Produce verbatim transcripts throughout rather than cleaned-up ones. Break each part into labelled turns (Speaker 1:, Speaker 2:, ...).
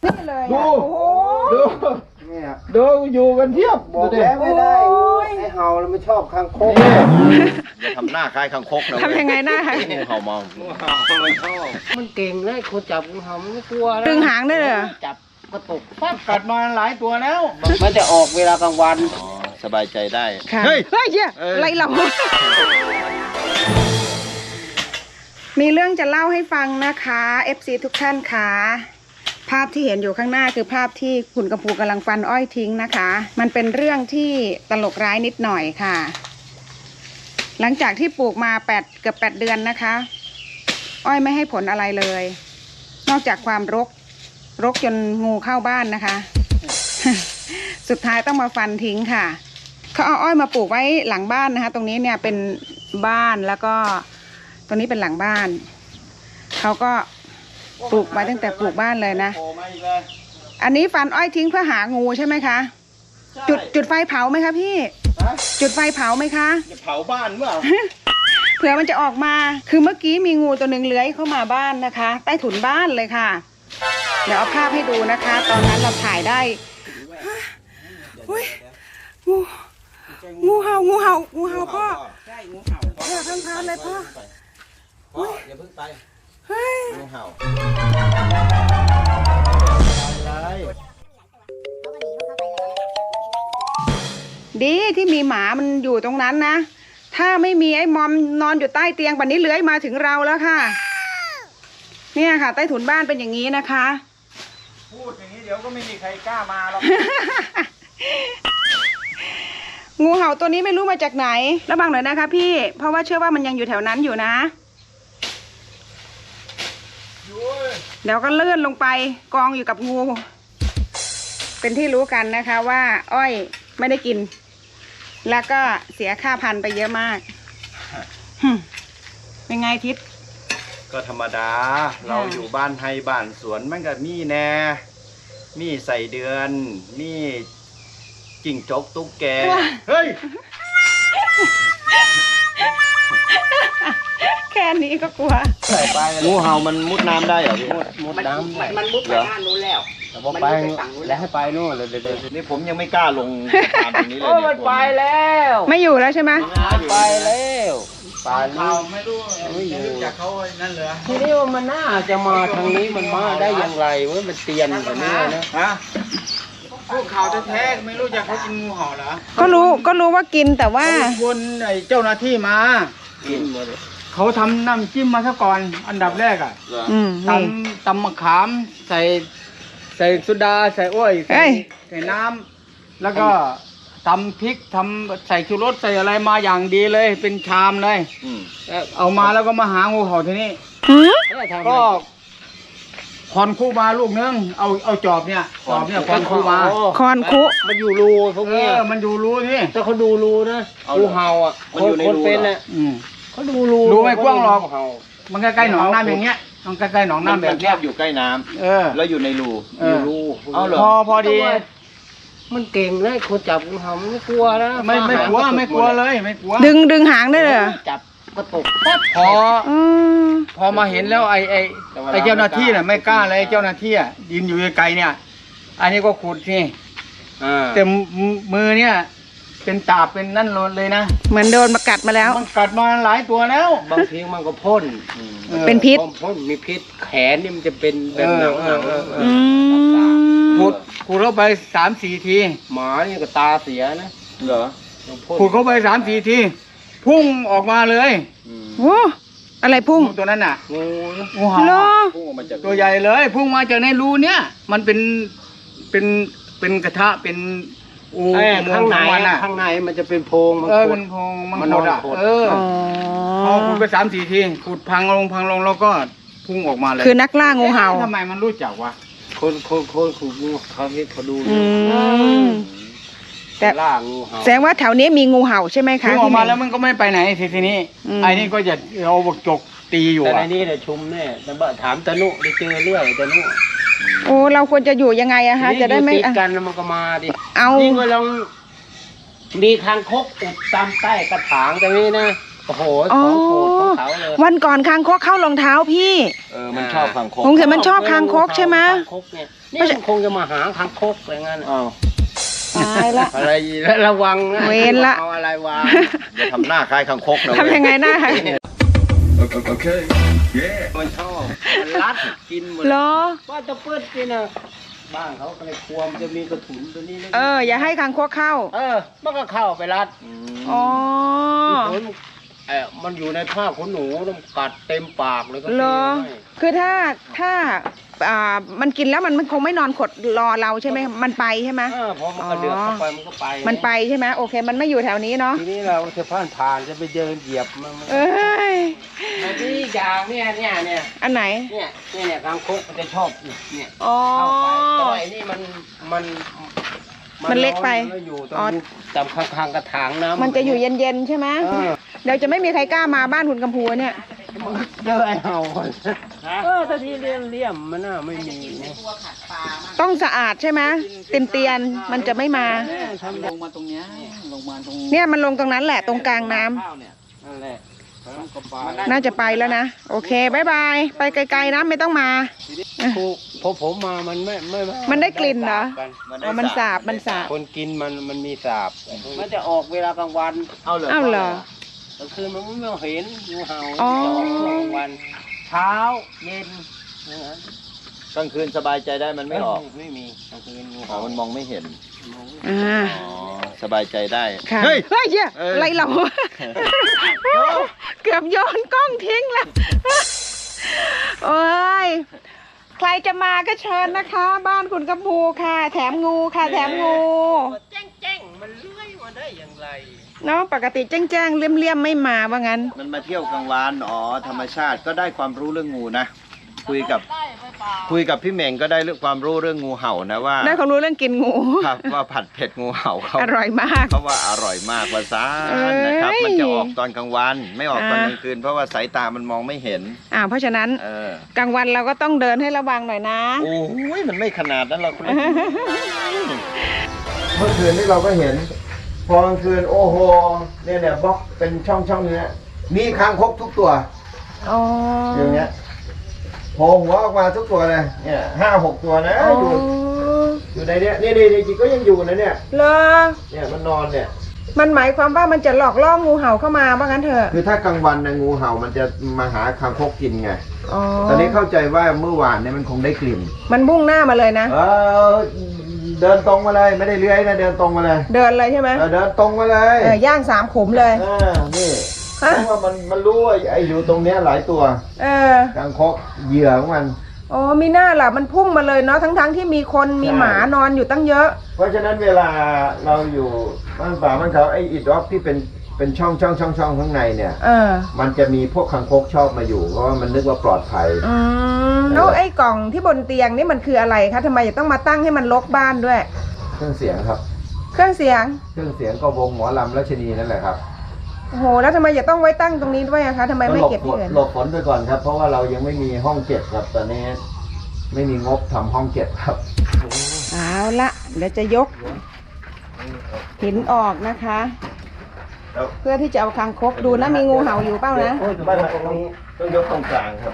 Speaker 1: นี่เลยดู
Speaker 2: ดูดูอยู่กันเทียบบอกแล้วไม่ได้ไอ้เห่าเราไม่ชอบคางคก
Speaker 3: อย่าทำหน้าคล้ายคางคกนะ
Speaker 1: ทำยังไงหน้า
Speaker 3: งูเห่ามอง
Speaker 2: งูเห่ามันชอบมันเก่งเลยคนจับงูเห่ามันไม่กลัวแล้ว
Speaker 1: ดึงหางได้เลย
Speaker 2: จับกระตุกปั๊บกัดมาหลายตัวแล้วมันจะออกเวลากลางวัน
Speaker 3: สบายใจได้
Speaker 1: เฮ้ยเฮ้ยเยอะไรเรามีเรื่องจะเล่าให้ฟังนะคะ เอฟ ซี ทุกท่านค่ะภาพที่เห็นอยู่ข้างหน้าคือภาพที่คุณกำพูกำลังฟันอ้อยทิ้งนะคะมันเป็นเรื่องที่ตลกร้ายนิดหน่อยค่ะหลังจากที่ปลูกมาแปดเกือบแปดเดือนนะคะอ้อยไม่ให้ผลอะไรเลยนอกจากความรกรกจนงูเข้าบ้านนะคะ สุดท้ายต้องมาฟันทิ้งค่ะเขาเอาอ้อยมาปลูกไว้หลังบ้านนะคะตรงนี้เนี่ยเป็นบ้านแล้วก็ตรงนี้เป็นหลังบ้านเขาก็ปลูกไว้ตั้งแต่ปลูกบ้านเลยนะอันนี้ฟันอ้อยทิ้งเพื่อหางูใช่ไหมคะจุดจุดไฟเผาไหมคะพี่จุดไฟเผาไหมคะ
Speaker 2: จะเผาบ้านเปล่า
Speaker 1: เผื่อมันจะออกมาคือเมื่อกี้มีงูตัวหนึ่งเลื้อยเข้ามาบ้านนะคะใต้ถุนบ้านเลยค่ะเดี๋ยวเอาภาพให้ดูนะคะ ตอนนั้นเราถ่ายได้งูงูเห่างูเห่างูเห่าพ่อ
Speaker 2: ใช่งูเห่า
Speaker 1: เออทั้งพันเลยพ่อ
Speaker 3: พ่ออย่าเพิ่งไปงูเห่า
Speaker 1: ดีที่มีหมามันอยู่ตรงนั้นนะถ้าไม่มีไอ้มอมนอนอยู่ใต้เตียงปันนี้เลื้อยมาถึงเราแล้วค่ะเนี่ยค่ะใต้ถุนบ้านเป็นอย่างนี้นะคะ
Speaker 2: พูดอย่างนี้เดี๋ยวก็ไม่มีใครกล้ามาหรอก
Speaker 1: งูเห่าตัวนี้ไม่รู้มาจากไหนระวังหน่อยนะคะพี่เพราะว่าเชื่อว่ามันยังอยู่แถวนั้นอยู่นะเดี๋ยวก็เลื่อนลงไปกองอยู่กับงูเป็นที่รู้กันนะคะว่าอ้อยไม่ได้กินแล้วก็เสียค่าพันธุ์ไปเยอะมากเป็นไงทิศ
Speaker 3: ก็ธรรมดาเราอยู่บ้านไทยบ้านสวนมันก็มีแน่มีใส่เดือนมีจิ้งจกตุ๊กแกเฮ้ย
Speaker 1: แค่นี้ก็กลัว
Speaker 3: ใส่ไปงูเห่ามันมุดน้ำได้เหรอพี่
Speaker 2: มุดน้ำมันมุดไปด้านนู้นแล้ว
Speaker 3: มันไปแล้วให้ไปนู่นเลยเดี๋ยวนี่ผมยังไม่กล้าลงทางตรงนี้เลย
Speaker 2: เนี่ยมันไปแล้ว
Speaker 1: ไม่อยู่แล้วใช่ไหม
Speaker 2: ไปแล้วป่านี้ไม่รู้ไม่อยู่จากเขานั่นเหรอทีนี้มันน่าจะมาทางนี้มันมาได้อย่างไรวะมันเตียนแบบนี้นะฮะพวกเขาแท้ๆไม่รู้จักเขากินงูเห่าเหรอ
Speaker 1: ก็รู้ก็รู้ว่ากินแต่ว่า
Speaker 2: วนไอ้เจ้าหน้าที่มากินหมดเขาทำน้ำจิ้มมาซะก่อนอันดับแรกอ่ะตำตำมะขามใส่ใส่สุดาใส่อ้อยใส่ใส่น้ำแล้วก็ทำพริกทำใส่ชูรสใส่อะไรมาอย่างดีเลยเป็นชามเลยเอามาแล้วก็มาหางูเห่าทีนี้ก็คอนคู่มาลูกนึงเอาเอาจอบเนี่ยจอบเนี่ยคอนคู่มา
Speaker 1: คอนคุ
Speaker 2: มันอยู่รูพวกนี้มันอยู่รูนี่ถ้าเขาดูรูนะงูเห่าอ่ะมันอยู่ในรูเป็นอ่ะเขาดูรูรูไม่กว้างหรอกมันใกล้ๆหนองน้ำอย่างเงี้ยมันใกล้ๆหนองน้ำแบบเนี้ย
Speaker 3: อยู่ใกล้น้ำ
Speaker 2: เออ
Speaker 3: แล้วอยู่ในรู
Speaker 2: อยู่รู
Speaker 3: เอาเหรอ
Speaker 2: พอพอดีมันเก่งเลยคนจับงูเห่าไม่กลัวนะไม่ไม่กลัวไม่กลัวเลยไม่กลัว
Speaker 1: ดึงดึงหางได้เลย
Speaker 2: จับกระตุกพอพอมาเห็นแล้วไอ้ไอ้ไอ้เจ้าหน้าที่น่ะไม่กล้าเลยเจ้าหน้าที่อ่ะยืนอยู่ไกลเนี่ยอันนี้ก็ขุดนี่แต่มือเนี่ยเป็นตาบเป็นนั่นเลยนะ
Speaker 1: เหมือนโดนมากัดมาแล้ว
Speaker 2: มันกัดมาหลายตัวแล้วบางทีมันก็พ่น
Speaker 1: เป็นพิษ
Speaker 2: พ่นมีพิษแขนนี่มันจะเป็นแบบหนังหนังขุดขุดเข้าไปสามสี่ทีหมานี่ก็ตาเสียนะ
Speaker 3: เหรอ
Speaker 2: ขุดเข้าไปสามสี่ทีพุ่งออกมาเลย
Speaker 1: โอ้อะไรพุ่ง
Speaker 2: ตัวนั้นน่ะงูงูเห่าพุ่งออกมาจากตัวใหญ่เลยพุ่งมาจากในรูเนี้ยมันเป็นเป็นเป็นกระทะเป็นอูข้างในข้างในมันจะเป็นโพรงมันเป็นโพรงมันหดอ่ะเออพอขุดไปสามสี่ทีขุดพังลงพังลงแล้วก็พุ่งออกมาเลย
Speaker 1: คือนักล่างูเห่า
Speaker 2: ทำไมมันรู้จักวะคนคนคนขุดงูเขาเห็นเขาดู
Speaker 1: แต่แสดงว่าแถวนี้มีงูเห่าใช่ไหมคะ
Speaker 2: พุ่งออกมาแล้วมันก็ไม่ไปไหนทีทีนี้ไอ้นี่ก็จะเอาบกจกตีอยู่แต่ในนี้เนี่ยชุมแน่แต่บ่ถามตะนุได้เจอเรื่อยตะนุ
Speaker 1: โอ้เราควรจะอยู่ยังไงอะฮะจะได้ไม่
Speaker 2: ติดกันมันก็มาดิ
Speaker 1: เอา
Speaker 2: นี่ก็ลองมีคางคกอุดตามใต้กระถางตรงนี้นะโอ้โหของโปรดของเขาเลย
Speaker 1: วันก่อนคางคกเข้ารองเท้าพี่
Speaker 3: เออมันชอบคางคก
Speaker 1: ผมเห็นมันชอบคางคกใช่ไหม
Speaker 4: นี่มันคงจะมาหาคางคกอะไรงั้น
Speaker 3: อ้าว
Speaker 1: ตายละ
Speaker 4: อะไรระวังนะ
Speaker 1: เวรละ
Speaker 4: เอาอะไรวาง
Speaker 3: อย่าทำหน้าคล้ายคังคกนะ
Speaker 1: ทำยังไงหน้า
Speaker 4: มันชอบมันรัดกินหมด
Speaker 1: เหรอ
Speaker 4: ว่าจะเปิดกินนะบ้านเขาก็เลยกลัวมันจะมีกระถุนตัวนี้
Speaker 1: เออ อย่าให้คางคกเข้า
Speaker 4: เออมันก็เข้าไปรัด
Speaker 1: อ๋อ
Speaker 4: ขนเออมันอยู่ในผ้าขนหนูมันกัดเต็มปากเลยก็
Speaker 1: เหรอ
Speaker 4: ให้
Speaker 1: คือถ้าถ้าอ่ามันกินแล้วมันมันคงไม่นอนขดรอเราใช่ไหมมันไปใช่ไหม
Speaker 4: เออพอมันกระเดือกเข้าไปมันก็ไป
Speaker 1: มันไปใช่ไหมโอเค มันไม่อยู่แถวนี้เนาะ
Speaker 4: ทีนี้เราจะผ่านผ่านจะไปเดินเหยียบมันมัน
Speaker 1: เอ้ย
Speaker 4: แต่ที่อย่างเนี่ยเนี่ยเนี่ย
Speaker 1: อันไหน
Speaker 4: เนี่ยเนี่ยเนี่ยคางคกมันจะชอบเนี่ย
Speaker 1: อ๋อ
Speaker 4: เข้าไปแต่ว่าไอ้นี่มันมัน
Speaker 1: มันเล็กไป
Speaker 4: มันอยู่ตร
Speaker 1: อ๋อ
Speaker 4: งตามข้างๆกระถางน้ำ
Speaker 1: มันจะอยู่เย็นๆใช่ไหม
Speaker 4: เออ
Speaker 1: เดี๋ยวจะไม่มีใครกล้ามาบ้านหุ่นกำพูเนี่ย
Speaker 4: เจอไอ้เห่าก่อนเออแต่ที่เลี่ยมเลี่ยมมันน่าไม่มีนะ
Speaker 1: ต้องสะอาดใช่ไหมเตียนเตียนๆมันจะไม่มา
Speaker 4: ลงมาตรงเนี้ยลงมาตรง
Speaker 1: เนี่ยมันลงตรงนั้นแหละตรงกลางน้ำ
Speaker 4: ข้าวเนี่ยนั่นแหละแล้วก็ไป
Speaker 1: น่าจะไปแล้วนะ โอเคบายบาย ไปไกลๆนะไม่ต้องมา
Speaker 4: ครูพอผมมามันไม่ไม่
Speaker 1: มันได้กลิ่นเหรอ
Speaker 4: มัน
Speaker 1: อ๋อมันสาบมันสาบ
Speaker 4: คนกินมันมันมีสาบ มันจะออกเวลากลางวัน
Speaker 3: เอาเลย
Speaker 1: อ้าวเหรอ
Speaker 4: กลางคืนมันไม่เห็นงูเห่า
Speaker 1: อ๋อ
Speaker 4: จะออกช่วงกลางวัน เช้าเย็นอย่างนั้น
Speaker 3: กลางคืนสบายใจได้มันไม่ออก
Speaker 4: ไม่มีกลางคืนงู
Speaker 3: อ๋อ
Speaker 4: เห่า
Speaker 3: มันมองไม่เห็น
Speaker 1: อ่า
Speaker 3: อ๋อ สบายใจได้
Speaker 1: ค่ะ
Speaker 3: เฮ้ย
Speaker 1: เฮ้ยเหี้ย
Speaker 3: เอออ
Speaker 1: อะไรเรา เกือบโยนกล้องทิ้งแล้ว โอ้ย ใครจะมาก็เชิญนะคะ บ้านคุณกำพูค่ะ แถมงูค่ะ แถมงู
Speaker 4: แจ้งแจ้งมันเลื้อยมาได้อย่างไร
Speaker 1: เนาะปกติแจ้งๆเลี่ยมๆไม่มาว่างั้น
Speaker 3: มันมาเที่ยวกลางวัน อ๋อ ธรรมชาติก็ได้ความรู้เรื่องงูนะ คุยกับ คุยกับพี่เหม่งก็ได้เรื่องความรู้เรื่องงูเห่านะว่า
Speaker 1: ได้ความรู้เรื่องกินงู
Speaker 3: ครับว่าผัดเผ็ดงูเห่าเขา
Speaker 1: อร่อยมาก
Speaker 3: เขาว่าอร่อยมากว่าซา
Speaker 1: เอ้ย
Speaker 3: นะครับ มันจะออกตอนกลางวัน ไม่ออกตอน
Speaker 1: อ่า
Speaker 3: กลางคืน เพราะว่าสายตามันมองไม่เห็น
Speaker 1: อ่าเพราะฉะนั้น
Speaker 3: เออ
Speaker 1: กลางวันเราก็ต้องเดินให้ระวังหน่อยนะ
Speaker 3: โอ้ยมันไม่ขนาดนั้นหรอกคุณเมื่อคืนที่เราก็เห็น พอกลางคืนโอ้โหเนี่ยเนี่ยบล็อกเป็นช่องช่องเนี้ยมีคางคกทุกตัว
Speaker 1: อ๋อ
Speaker 3: อย่างเงี้ยโผล่หัวออกมาทุกตัวเลยเนี่ยห้าหกตัวนะอยู่อยู่ในเนี้ยนี่นี่จริงๆก็ยังอยู่นะเนี่ย
Speaker 1: เหรอ
Speaker 3: เนี่ยมันนอนเนี่ย
Speaker 1: มันหมายความว่ามันจะหลอกล่องูเห่าเข้ามาว่างั้นเถอะ
Speaker 3: คือถ้ากลางวันนะงูเห่ามันจะมาหาคางคกกินไง
Speaker 1: อ๋อ
Speaker 3: ตอนนี้เข้าใจว่าเมื่อวานเนี่ยมันคงได้กลิ่น
Speaker 1: มันมุ่งหน้ามาเลยนะ
Speaker 3: เออเดินตรงมาเลยไม่ได้เลื้อยนะเดินตรงมาเลย
Speaker 1: เดินเลยใช่ไหม
Speaker 3: เออเดินตรงมาเลย
Speaker 1: เออย่างสามขุมเลย
Speaker 3: เออนี่เพราะว่ามันมันรู้ว่าไอ้อยู่ตรงเนี้ยหลายตัว
Speaker 1: เออ
Speaker 3: คางคกเหยื่อของมัน
Speaker 1: อ๋อมีหน้าล่ะมันพุ่งมาเลยเนาะทั้งๆที่มีคนมี
Speaker 3: ใช่
Speaker 1: หมานอนอยู่ตั้งเยอะ
Speaker 3: เพราะฉะนั้นเวลาเราอยู่บ้านป่าบ้านเขาไอ้อิดร็อกที่เป็นเป็นช่องช่องช่องช่องข้างในเนี่ย
Speaker 1: เออ
Speaker 3: มันจะมีพวกคางคกชอบมาอยู่เพราะว่ามันนึกว่าปลอดภัย
Speaker 1: อืมแล้วไอ้กล่องที่บนเตียงนี่มันคืออะไรคะทำไมจะต้องมาตั้งให้มันรกบ้านด้วย
Speaker 3: เครื่องเสียงครับ
Speaker 1: เครื่องเสียง
Speaker 3: เครื่องเสียงก็วงหมอลำรัชนีนั่นแหละครับ
Speaker 1: โอ้โหแล้วทำไมจะต้องไว้ตั้งตรงนี้ด้วยอะคะทำไมไม่
Speaker 3: หลบ
Speaker 1: เก็บ
Speaker 3: ฝ
Speaker 1: ที่
Speaker 3: น
Speaker 1: อื่น
Speaker 3: หลบฝนไปก่อนครับ เพราะว่าเรายังไม่มีห้องเก็บครับตอนนี้ไม่มีงบทำห้องเก็บครับ
Speaker 1: เอาละเดี๋ยวจะยกหินออกนะคะ
Speaker 3: แล้ว
Speaker 1: เพื่อที่จะเอาคางคกดูนะมีงูเห่าอยู่เปล่านะ
Speaker 3: บ้านตรงนี้ต้องยกตรงกลางครับ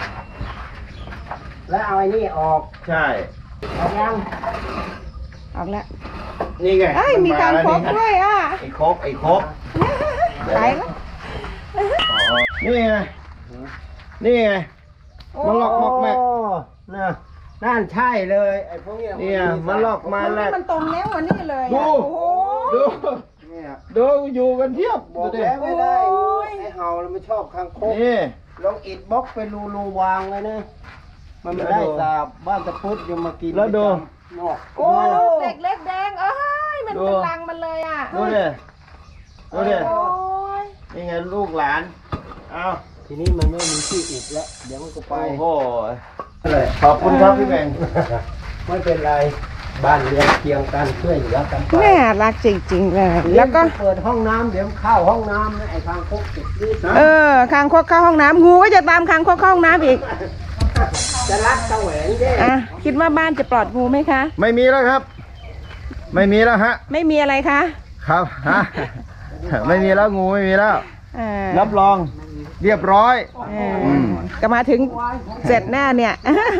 Speaker 4: แล้วเอาไอ้นี่ออก
Speaker 3: ใช่
Speaker 4: เอายัง
Speaker 1: ออกแล้ว
Speaker 3: นี่ไง
Speaker 1: เอ้ยมีคางคกด้วยอ่ะ
Speaker 3: ไอ้คกไอ้คก
Speaker 1: ตายแล้ว
Speaker 3: นี่ไงนี่ไง มันหลอกหมอกแม่
Speaker 4: น่ะนั่นใช่เลยไอ้พวกเนี้ย
Speaker 3: เนี่ยมันหลอกมา
Speaker 1: มัน
Speaker 3: แห
Speaker 1: นี่
Speaker 3: ละ
Speaker 1: มันตรงแล้ววันนี้เลย
Speaker 3: ดู
Speaker 1: อะโอ้โห
Speaker 3: ดู
Speaker 4: เนี่ย
Speaker 3: ดูอยู่กันเทียบ
Speaker 4: บอก
Speaker 3: ดูดิ
Speaker 4: แล้วไม่ได้
Speaker 1: โอ้ย
Speaker 4: ไอ้เห่าเราไม่ชอบคางคก
Speaker 3: นี่
Speaker 4: ลองอิดบล็อกเป็นรูรูวางเลยนะ มันไม่ได้สาบบ้านตะพุดยังมากิน
Speaker 3: แล้วดู
Speaker 4: นอก
Speaker 1: โอ้ลูกเด็กเล็กแดงเอ้ยมันเป็นรังมันเลยอ่ะ
Speaker 3: ดูดิดูดิ
Speaker 1: โอ้ย
Speaker 3: นี่ไงลูกหลานเอา
Speaker 4: ทีนี้มันไม่มีที่อิดแล้ว เดี๋ยวมันก็ไป
Speaker 3: โอ้โหขอบคุณครับพี่แบงค์
Speaker 4: ไม่เป็นไร บ้านเรือนเคียงกันช่วยเหลือกันไป
Speaker 1: แม่รักจริงๆเลยแล้วก็
Speaker 4: เปิดห้องน้ำเดี๋ยวเข้าห้องน้ำนะไอ้คางคกติดรีดนะ
Speaker 1: เออคางคกเข้าห้องน้ำงูก็จะตามคางคกเข้าห้องน้ำอีก
Speaker 4: จะรัดตะแหวงเด้
Speaker 1: อ่ะคิดว่าบ้านจะปลอดงูไหมคะ
Speaker 3: ไม่มีแล้วครับ ไม่มีแล้วฮะ
Speaker 1: ไม่มีอะไรคะ
Speaker 3: ครับฮะไม่มีแล้วงูไม่มีแล้ว
Speaker 1: เออ
Speaker 3: รับรองเรียบร้อย
Speaker 1: เออก็มาถึงเสร็จแน่เนี่ย